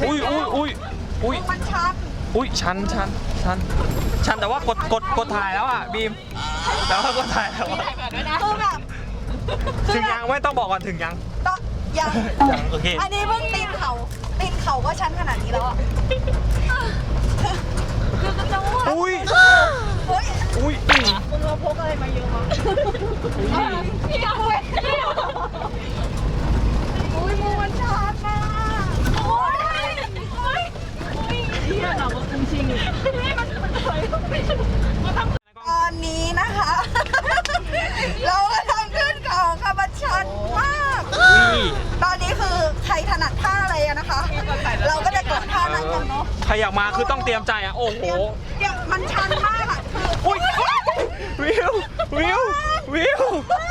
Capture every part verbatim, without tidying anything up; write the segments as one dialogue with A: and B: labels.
A: อุ้ยอุ้ยอุ้ยอุ้ย
B: มันชัน
A: อุ้ยชันชันชันชันแต่ว่ากดกดกดถ่ายแล้วอ่ะบีมแต่ว่ากดถ่ายแล้ว
B: คือแบบ
A: ถึงยังไม่ต้องบอกก่อนถึงยัง
B: ต้องยัง
A: ยังโอเค
B: อันนี้เพิ่งตีนเขาตีนเขาก็ชันขนาดนี้แล้วอ่ะคือกระจก
A: อุ้ย
B: เฮ้ย
A: อุ้ย
B: คุณเราพกอะไรมาเยอะมั้งพี่เอาไว้อุ้ยมือมันชันมากโอ้ยโอ้ยเฮียเราก็จริงๆนี่มันมันเคยตอนนี้นะคะเรากำลังขึ้นเขาค่ะมันชันมากตอนนี้คือใครถนัดท่าอะไรอะนะคะเราก็จะกดท่านั้นกันเนาะ
A: ใครอยากมาคือต้องเตรียมใจอ่ะโอ้โห
B: มันชันมากอะ
A: อุ้ยวิววิววิว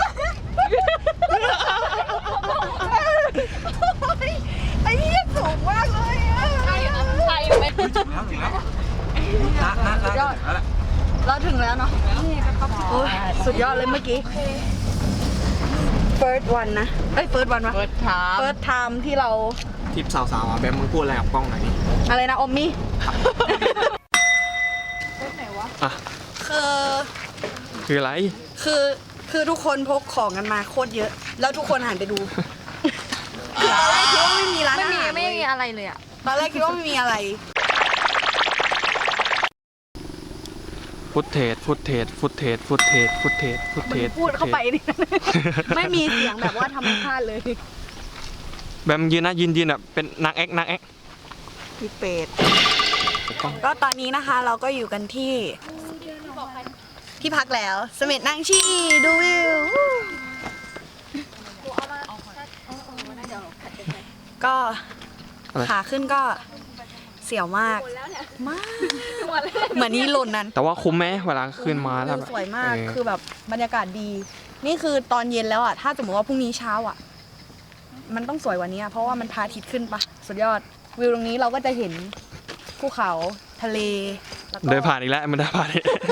B: ไอ้นี่สูงมากเลยอะ
C: ใช่ใช่ไม่ถึงแล้วถึงแล้วนะนะนะยอด
B: เราถึงแล้วเนาะโอ้ยสุดยอดเลยเมื่อกี้ first one นะเอ้ย first one วะ
C: first time
B: first time ที่เรา
A: ทิปสาวๆอ่ะแบมมึงพูดอะไรกับกล้องหน่อยนี่
B: อะไรนะอมมี่
A: อ่ะ
B: คือ
A: คืออะไร
B: คือคือทุกคนพกของกันมาโคตรเยอะแล้วทุกคนหันไปดูคือตอนแรกคิดว่าไม่มีร้านอาหาร
C: ไม่มีอะไรเลยอะ
B: ตอนแรกคิดว่าไม่มีอะไร
A: ฟุตเทจฟุตเทจฟุตเทจฟุตเทจฟุตเทจฟุตเทจ
B: พูดเข้าไปดิไม่มีเสียงแบบว่าธรรมชาติเลย
A: แบมยืนนะยืนยืนแบบเป็นนางแอ๊กนางแอ๊ก
B: พี่เป็ดก็ตอนนี้นะคะเราก็อยู่กันที่ที่พักแล้วเสม็ดนางชีดูวิวก็ขาขึ้นก็เสียวมากมากเหมือนนี่หล่นนั้น
A: แต่ว่าคุ้มไหมเวลาขึ้นมาแล้ว
B: สวยมากคือแบบบรรยากาศดีนี่คือตอนเย็นแล้วอ่ะถ้าสมมติว่าพรุ่งนี้เช้าอ่ะมันต้องสวยกว่านี้เพราะว่ามันพระอาทิตย์ขึ้นปะสุดยอดวิวตรงนี้เราก็จะเห็นภูเขาทะเล
A: เดินผ่านอีกแล้วมันเดินผ่าน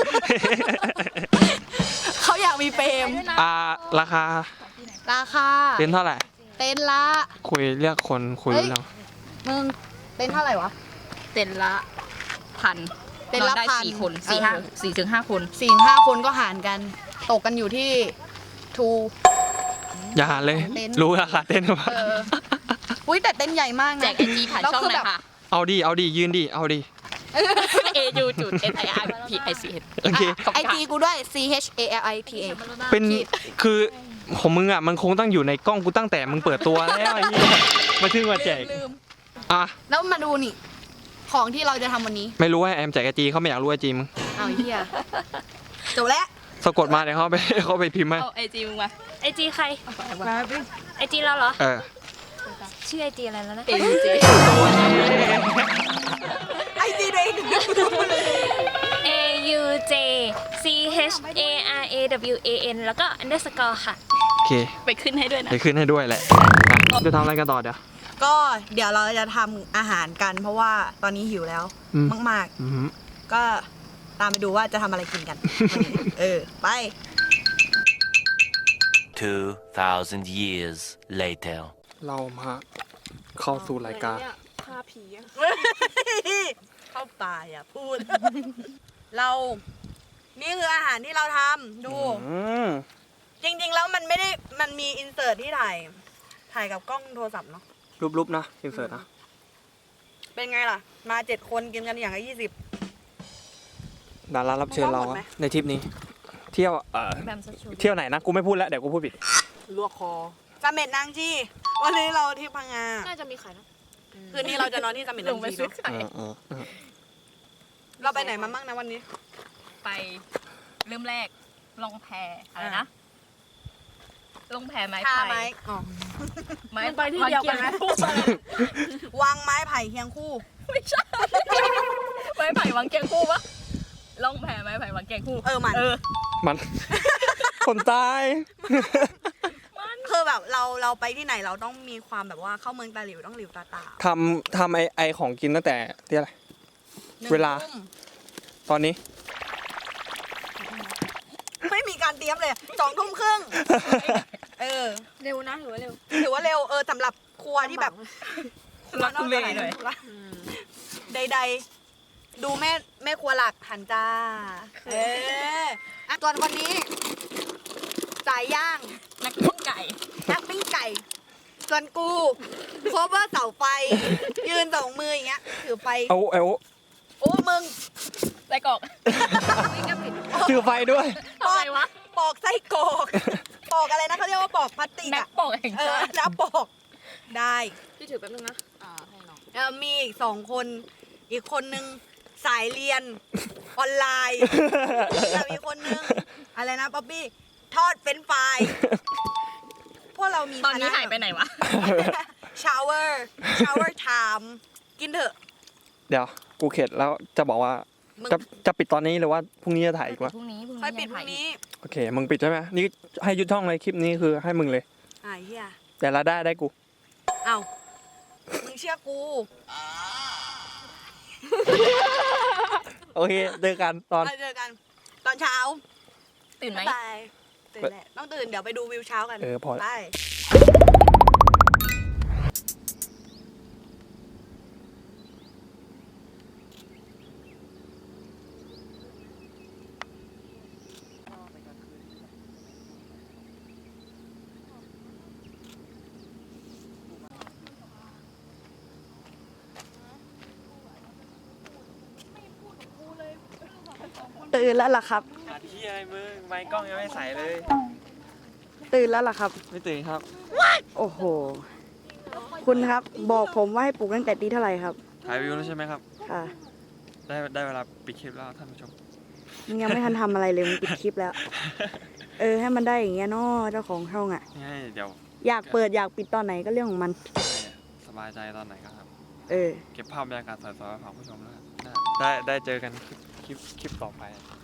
B: เขาอยากมีเฟรม
A: อ่าราคา
B: ราคา
A: เต็นเท่าไหร่
B: เต็นละ
A: คุยเรียกคนคุยเรื่อง
B: มึงเต็นเท่าไหร่วะ
C: เต็นละพัน
B: เต็นละพัน
C: สี่คนสี่ห้าสี่ถึงห้าคน
B: สี่ห้าคนก็หารกันตกกันอยู่ที่ทู
A: อย่าหาเลยรู้ราคาเต็นป่ะ
B: อุ้ยแต่เต็นใหญ่มากนะ
C: แจกไอจีผ่านช่องเลยค่ะ
A: เอาดิเอาดิยืนดิเอาดิ
C: A U จุด S I R P I C H
A: โอเค
B: ไอจีกูด้วย C H A L I T A
A: เป็นคือของมึงอ่ะมันคงต้องอยู่ในกล้องกูตั้งแต่มึงเปิดตัวแล้วไอ้นี่มาถึงมาแจกอ่ะ
B: แล้วมาดูนี่ของที่เราจะทำวันนี้
A: ไม่รู้ว่าแอมแจกไอจีเขาไม่อยากรู้ไอจีมึง
B: เอาเฮียจบแล้ว
A: สะกดมาเดี๋ยวเขาไปเขาไปพิมพ์มา
C: เอาไอจีมึงมาไอจีใครไอจีเราเหรอ
A: เออ
C: ชื่อไอจีอะไรแล้วนะ
B: ไอจีเอง
C: A U J C H A R A W A N แล้วก็ underscore ค่ะ
A: โอเค
C: ไปขึ้นให้ด้วยนะ
A: ไปขึ้นให้ด้วยแหละจะทำอะไรกันต่อเดี๋ยว
B: ก็เดี๋ยวเราจะทำอาหารกันเพราะว่าตอนนี้หิวแล้วมากๆก็ตามไปดูว่าจะทำอะไรกินกันเออไป
D: two thousand years later
A: เรามาเข้าสู่รายการ
B: ฆ่าผีเข้าป่าอย่าพูดเรานี่คืออาหารที่เราทำดูจริงๆแล้วมันไม่ได้มันมีอินเสิร์ตที่ถ่ายถ่ายกับกล้องโทรศัพท์เนาะ
A: รูปๆนะอินเสิร์ตนะ
B: เป็นไงล่ะมาเจ็ดคนกินกันอย่างละยี่สิบ
A: ดารารับเชิญเราในทริปนี้เที่ยวเอ่อเที่ยวไหนนะกูไม่พูดแล้วเดี๋ยวกูพูดผิด
B: ลวกคอเสม็ดนางชีวันนี้เราที่พังงา
C: น่าจะมีขายนะ
B: คืนนี้เราจะนอนที่เสม็ดนางชีเนาะเราไปไหนมาบ้างนะวันนี้
C: ไปเริ่มแรกลงแพอะไรนะลงแพไม้ไผ่
B: ไม้อ๋อ
C: ไม้ไปที่เดียวกันไหม
B: วางไม้ไผ่เคียงคู่
C: ไม่ใช่ไม้ไผ่วางเคียงคู่ปะลงแพไม้ไผ่วางเคียงคู่
B: เออมัน
C: เออ
A: มันคนตาย
B: คือแบบเราเราไปที่ไหนเราต้องมีความแบบว่าเข้าเมืองตาหลิวต้องหลิวตาตา
A: ทำทำไอไอของกินตั้งแต่ที่อะไรเวลาตอนนี้
B: ไม่มีการเตรียมเลยสองทุ่มครึ่งเออ
C: เร็วนะหรือว่าเร็ว
B: ถือว่าเร็วเออสำหรับครัวที่แบบครักทุเลหน่อยใดๆ ดูแม่แม่ครัวหลักหันจ้า เอออ่ะส่วนคนนี้สายย่าง
C: นักปิ้งไก่
B: นักปิ้งไก่ ส่วนกูโคเวอร์เสาไฟ ยืนสองมืออย่างเงี้ย ถือไฟ
A: เอาเอา
B: โอ้มึง
C: ไส้กรอก
A: ถือไฟด้วย
C: ทำไมวะ
B: ปอกไส้กรอกปอกอะไรนะเขาเรียกว่าปอกพลาสติก
C: นัก
B: อะ
C: ปอกแห่ง
B: เออ
C: ชาติ
B: แล้วปอกได้
C: พี่ถือแป๊บนึงนะ อ่า ให้น้อง
B: แล้วมีอีกสองคน อีกคนนึงสายเรียนออนไลน์แล้วอีกคนนึงอะไรนะป๊อปปี้ทอดเฟรนช์ฟรายพวกเรามี
C: ตอนนี้หายไปไหนวะ
B: ชาวเวอร์ชาวเวอร์ไทม์กินเถอะ
A: เดี๋ยวกูเข็ดแล้วจะบอกว่า
B: มึง
A: จะจะปิดตอนนี้หรือว่าพรุ่งนี้จะถ่ายอีกวะ
C: พรุ่งนี้พรุ่งนี้
B: ค่อยปิดพ
C: ง
B: รุ่
C: ถ่าง
B: นี้
A: โอเคมึงปิดใช่ไหมนี่ให้ยุดช่องเลยคลิปนี้คือให้มึงเลย
B: อ่าเฮีย
A: แต่ละได้ได้กู
B: เอ้ามึงเชื่อกู
A: โอเคเจอกันตอน
B: เราเจอกัน ตอนเช้า
C: ตื่นไหม
B: บ๊ายบายตื่นแหละต้องตื่นเดี๋ยวไปดูวิวเช้ากัน
A: เออพอ
B: ไป ตื่นแล้วล่ะครับ
A: อาที่อะไรมึงไมค์กล้องยังไม่ใส่เลย
B: ตื่นแล้วล่ะครับ
A: ไม่ตื่นครับ
B: โอ้โห คุณครับบอกผมว่าให้ปลุกตั้งแต่ตีเท่าไหร่ครับ
A: ถ่ายวิวแล้วใช่ไหมครับ
B: ค่ะ
A: ได้ได้เวลาปิดคลิปแล้วท่านผู้ชม
B: มึงยังไม่ทันทำอะไรเลยมึงปิดคลิปแล้ว เออให้มันได้อย่างเงี้ยเนาะเจ้าของช่องอ่ะ
A: นี่ให้เดี๋ยว
B: อยากเปิดอยากปิดตอนไหนก็เรื่องของมัน
A: ให้สบายใจตอนไหนก็ครับ
B: เออ
A: เก็บภาพบรรยากาศสวยๆมาฝากผู้ชมแล้วกันได้ได้ได้เจอกันคลิปคลิปคลิปต่อไป